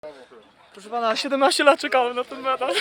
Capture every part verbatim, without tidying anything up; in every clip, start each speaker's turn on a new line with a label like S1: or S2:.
S1: Proszę pana, siedemnaście lat czekałem na ten medal.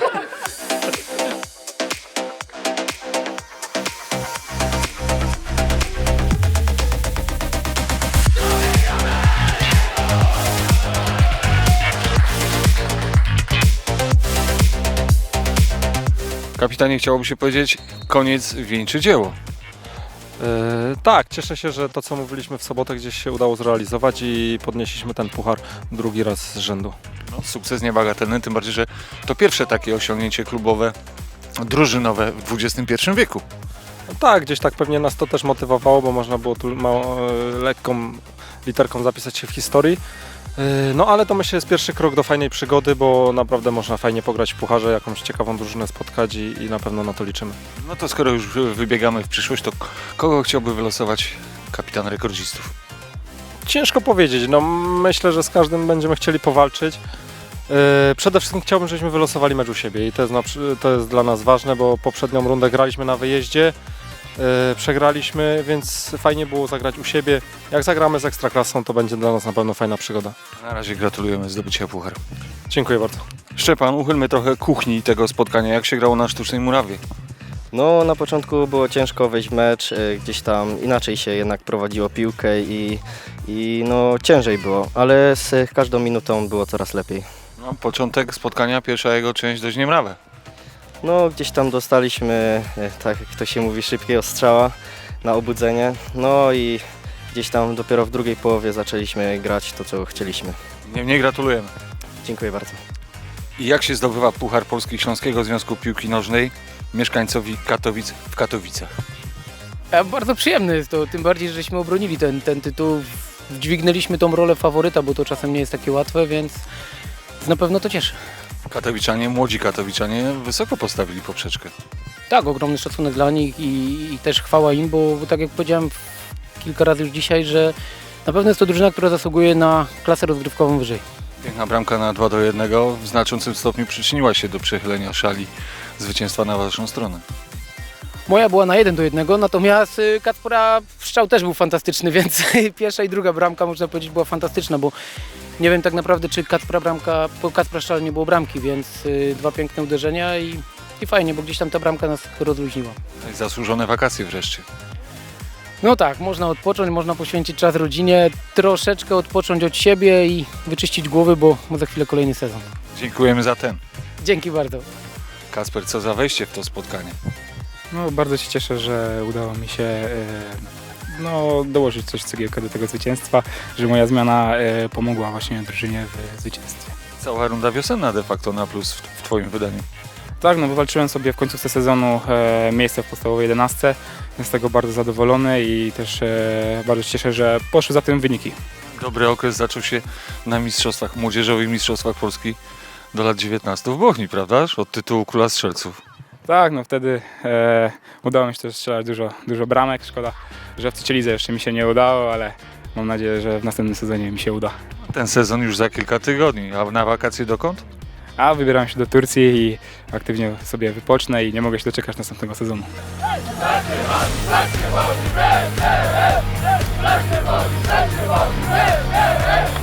S2: Kapitanie, chciałoby się powiedzieć, koniec wieńczy dzieło.
S3: Yy, tak, cieszę się, że to co mówiliśmy w sobotę gdzieś się udało zrealizować i podnieśliśmy ten puchar drugi raz z rzędu.
S2: No, sukces niebagatelny, tym bardziej, że to pierwsze takie osiągnięcie klubowe, drużynowe w dwudziestym pierwszym wieku.
S3: No tak, gdzieś tak pewnie nas to też motywowało, bo można było tu mało, yy, lekką literką zapisać się w historii. Yy, no ale to myślę jest pierwszy krok do fajnej przygody, bo naprawdę można fajnie pograć w pucharze, jakąś ciekawą drużynę spotkać i, i na pewno na to liczymy.
S2: No to skoro już wybiegamy w przyszłość, to kogo chciałby wylosować kapitan rekordzistów?
S3: Ciężko powiedzieć, no myślę, że z każdym będziemy chcieli powalczyć. Yy, przede wszystkim chciałbym, żebyśmy wylosowali mecz u siebie i to jest, na, to jest dla nas ważne, bo poprzednią rundę graliśmy na wyjeździe, yy, przegraliśmy, więc fajnie było zagrać u siebie. Jak zagramy z Ekstraklasą, to będzie dla nas na pewno fajna przygoda.
S2: Na razie gratulujemy zdobycia pucharu.
S3: Dziękuję bardzo.
S2: Szczepan, uchylmy trochę kuchni tego spotkania. Jak się grało na Sztucznej Murawie?
S4: No na początku było ciężko wejść w mecz, y, gdzieś tam inaczej się jednak prowadziło piłkę i, i no ciężej było, ale z każdą minutą było coraz lepiej.
S2: No, początek spotkania, pierwsza jego część dość niemrawe.
S4: No gdzieś tam dostaliśmy, y, tak jak to się mówi, szybkiego strzała na obudzenie, no i gdzieś tam dopiero w drugiej połowie zaczęliśmy grać to, co chcieliśmy.
S2: Niemniej gratulujemy.
S4: Dziękuję bardzo.
S2: I jak się zdobywa Puchar Polski Śląskiego Związku Piłki Nożnej mieszkańcowi Katowic w Katowicach?
S5: A bardzo przyjemne jest to, tym bardziej, żeśmy obronili ten, ten tytuł, dźwignęliśmy tą rolę faworyta, bo to czasem nie jest takie łatwe, więc na pewno to cieszy.
S2: Katowiczanie, młodzi katowiczanie wysoko postawili poprzeczkę.
S5: Tak, ogromny szacunek dla nich i, i też chwała im, bo, bo tak jak powiedziałem kilka razy już dzisiaj, że na pewno jest to drużyna, która zasługuje na klasę rozgrywkową wyżej.
S2: Piękna bramka na dwa do jednego w znaczącym stopniu przyczyniła się do przechylenia szali zwycięstwa na waszą stronę.
S5: Moja była na jeden do jednego, natomiast y, Kacpra strzał też był fantastyczny, więc pierwsza i druga bramka można powiedzieć była fantastyczna, bo nie wiem tak naprawdę czy Kacpra bramka, po Kacpra strzał nie było bramki, więc y, dwa piękne uderzenia i, i fajnie, bo gdzieś tam ta bramka nas rozluźniła.
S2: No i zasłużone wakacje wreszcie.
S5: No tak, można odpocząć, można poświęcić czas rodzinie, troszeczkę odpocząć od siebie i wyczyścić głowy, bo, bo za chwilę kolejny sezon.
S2: Dziękujemy za ten.
S5: Dzięki bardzo.
S2: Kasper, co za wejście w to spotkanie?
S6: No, bardzo się cieszę, że udało mi się e, no, dołożyć coś cegiełkę do tego zwycięstwa, że moja zmiana e, pomogła właśnie drużynie w zwycięstwie.
S2: Cała runda wiosenna de facto na plus w, w twoim wydaniu.
S6: Tak, no wywalczyłem sobie w końcówce sezonu e, miejsce w podstawowej jedenastce, jestem z tego bardzo zadowolony i też e, bardzo się cieszę, że poszły za tym wyniki.
S2: Dobry okres zaczął się na mistrzostwach, młodzieżowych mistrzostwach Polski do lat dziewiętnastu w Bochni, prawda? Od tytułu Króla Strzelców.
S6: Tak, no wtedy e, udało mi się też strzelać dużo, dużo bramek, szkoda, że w trzeciej lidze jeszcze mi się nie udało, ale mam nadzieję, że w następnym sezonie mi się uda.
S2: Ten sezon już za kilka tygodni, a na wakacje dokąd?
S6: A wybieram się do Turcji i aktywnie sobie wypocznę i nie mogę się doczekać następnego sezonu.
S1: Let's go!